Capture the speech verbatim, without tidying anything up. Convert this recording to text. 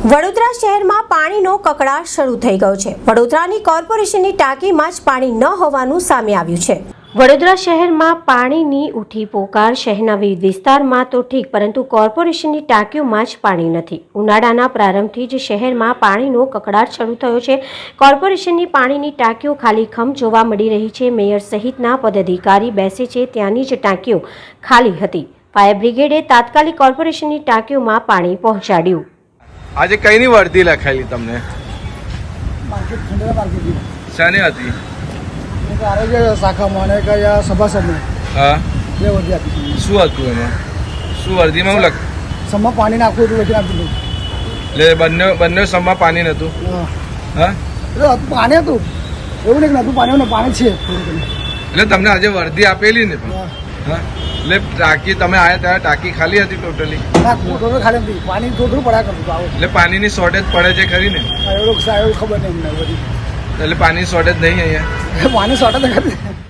વડોદરા શહેરમાં પાણીનો કકળાટ શરૂ થઈ ગયો છે। વડોદરાની કોર્પોરેશનની ટાંકીમાં જ પાણી ન હોવાનું સામે આવ્યું છે। વડોદરા શહેરમાં પાણીની ઉઠી પોકાર શહેરના વિવિધ વિસ્તારમાં તો ઠીક, પરંતુ કોર્પોરેશનની ટાંકીઓમાં જ પાણી નથી। ઉનાળાના પ્રારંભથી જ શહેરમાં પાણીનો કકળાટ શરૂ થયો છે। કોર્પોરેશનની પાણીની ટાંકીઓ ખાલીખમ જોવા મળી રહી છે। મેયર સહિતના પદાધિકારી બેસે છે ત્યાંની જ ટાંકીઓ ખાલી હતી। ફાયર બ્રિગેડે તાત્કાલિક કોર્પોરેશનની ટાંકીઓમાં પાણી પહોંચાડ્યું। આજે કઈની વર્દી લખાયેલી તમને? માર્કેટ ખંડેરા માર્કેટની શાની હતી? એક આરોગ્ય શાખામાં અને એક અહીંયા સભાસદને હા, બે વર્દી આપી। શું હતું એમાં? શું વર્દીમાં હું લખ સમમાં પાણી નાખવું હતું લખી આપી દીધું। એટલે બંને બંને સમમાં પાણી નહોતું? હા, હા, એટલે હતું પાણી હતું, એવું નહીં કે નતું પાણી, ને પાણી છે થોડું ઘણું। એટલે તમને આજે વર્દી આપેલી ને? હા, હા, એટલે ટાંકી તમે આવ્યા ત્યારે ટાંકી ખાલી હતી ટોટલી? ના મોટો ખાલી નથી, પાણી થોડું પડ્યા કરતું હતું। આવું એટલે પાણીની શોર્ટેજ પડે છે ખરી ને? એવું એવું ખબર નહીં અમને બધી, એટલે પાણી શોર્ટેજ નહીં અહીંયા? પાણી શોર્ટેજ નથી।